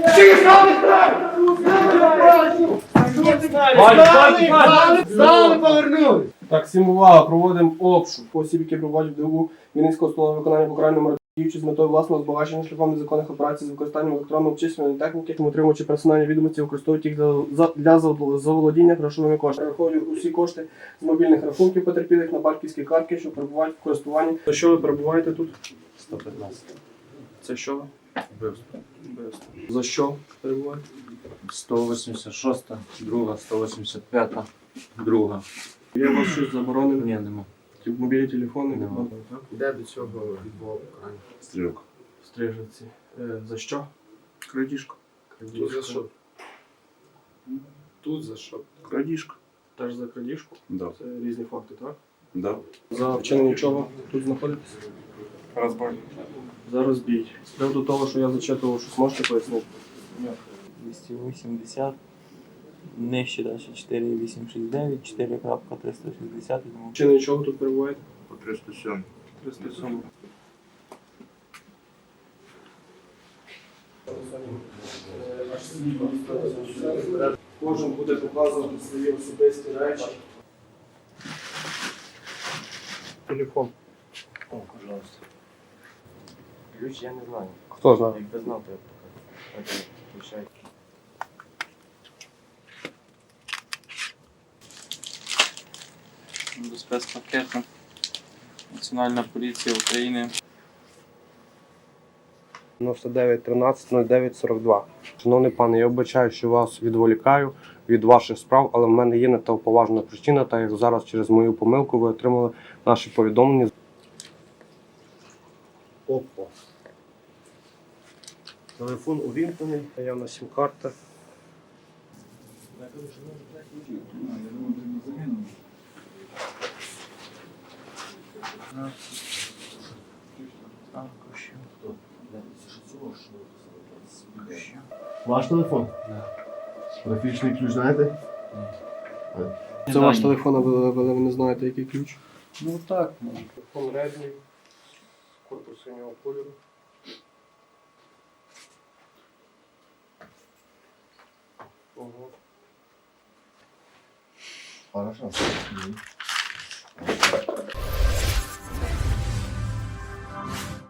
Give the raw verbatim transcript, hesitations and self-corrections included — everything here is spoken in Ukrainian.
Стали, повернули! Так, всім увага, проводимо обшук осіб, які проводять в ДУ Вінницького установи виконання покарального діючи з метою власного збагачення шляхом незаконних операцій з використанням електронної обчислювальної техніки, отримуючи персональні відомості, використовують їх для, для заволодіння грошовими коштами. Рахують усі кошти з мобільних рахунків потерпілих на банківські картки, що перебувають в користуванні. За що ви перебуваєте тут? сто п'ятнадцять. Це що ви? Вбивство. Вбивство. За що перебуваєте? сто вісімдесят шоста, друга, сто вісімдесят п'ята, друга. Є у вас щось заборонене? Ні, нема. Мобільні телефони? Нема. Так? Де до цього відбував покарання? Стрілок. Стрижиці. Е, за що? Крадіжка. Тут за що? Тут за що? Крадіжка. Теж за крадіжку? Да. Це різні факти, так? Да. За вчинення чого тут знаходитесь? Розбой. За розбій. З приводу того, що я зачитував, щось можете пояснити? двісті вісімдесят, нижче далі чотири вісім шість дев'ять, чотири триста шістдесят. Вчинення чого тут перебуваєте? По триста сьомий. триста сім. Кожен буде показувати свої особисті речі. Телефон. О, пожалуйста. Ключ я не знаю. Хто знає? Якби знав, то я б показав. Окей, включай. До спецпакету. Національна поліція України. дев'яносто дев'ять тринадцять нуль дев'ять сорок два. Шановний пане, я вибачаю, що вас відволікаю від ваших справ, але в мене є на те поважна причина, так як зараз через мою помилку ви отримали наші повідомлення. Опа. Телефон увімкнений, наявна сім-карта. Ваш телефон? Да. Графічний ключ знаєте? Це ваш телефон, але ви не знаєте, який ключ? Ну так. Телефон Redmi, корпус синього кольору. Ого. Хорошо.